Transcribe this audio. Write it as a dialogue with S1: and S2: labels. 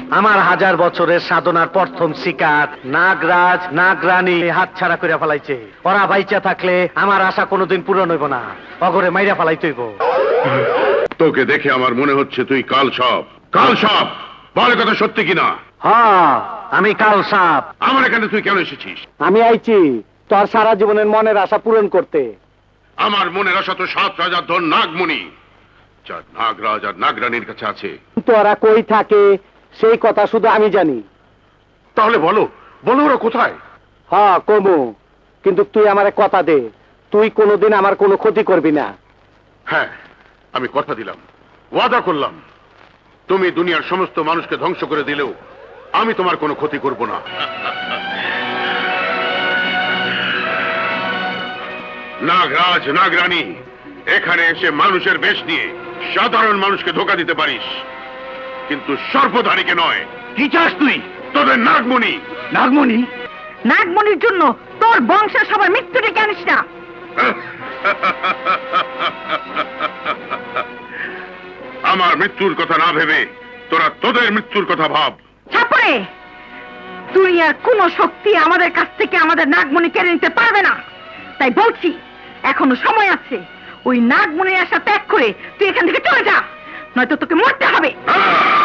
S1: আমার 1000 বছরের সাধনার প্রথম শিকার নাগরাজ নাগরানী হাতছাড়া করে ফেলাইছে। ওরা বাইচা থাকলে আমার আশা কোনোদিন পূরণ হইব না, অগরে মাইরা ফেলাইতে হইব।
S2: তোকে দেখে আমার মনে হচ্ছে তুই কাল সাপ। কাল সাপ, বল কথা সত্যি কিনা?
S1: হ্যাঁ, আমি কাল সাপ।
S2: আমার এখানে তুই কেন এসেছিস?
S1: আমি আইছি তোর সারা জীবনের মনের আশা পূরণ করতে।
S2: আমার মনের আশা তো 7 রাজার ধন নাগমণি, যা নাগরাজ আর নাগরানীর কাছে আছে।
S1: তোরা কই থাকে সেই কথা শুধু আমি জানি।
S2: তাহলে বলো, বলো ওরা কোথায়?
S1: হ্যাঁ কমু, কিন্তু তুই আমারে কথা দে, তুই কোনোদিন আমার কোনো ক্ষতি করবি না।
S2: হ্যাঁ, আমি কথা দিলাম, ওয়াদা করলাম, তুমি দুনিয়ার সমস্ত মানুষকে ধ্বংস করে দিলেও আমি তোমার কোনো ক্ষতি করব না। নাগরাজ নাগরানী, এখানে এসে মানুষের বেশ নিয়ে সাধারণ মানুষকে ধোঁকা দিতে পারিস, কিন্তু সর্বধারীকে নয়।
S1: কি চাস তুই?
S2: তোদের নাগমণি।
S1: নাগমণি?
S3: নাগমণির জন্য তোর বংশের সবার মৃত্যু ডেকে আনিস না।
S2: আমার মৃত্যুর কথা না ভেবে তোরা তোদের মৃত্যুর কথা ভাব।
S3: ছাপড়ে, দুনিয়ার কোন শক্তি আমাদের কাছ থেকে আমাদের নাগমণি কেড়ে নিতে পারবে না। তাই বলছি, এখনো সময় আছে। ওই নাগমণির আশা ত্যাগ করে তুই এখান থেকে চলে যা, নয়তো তোকে মরতে হবে।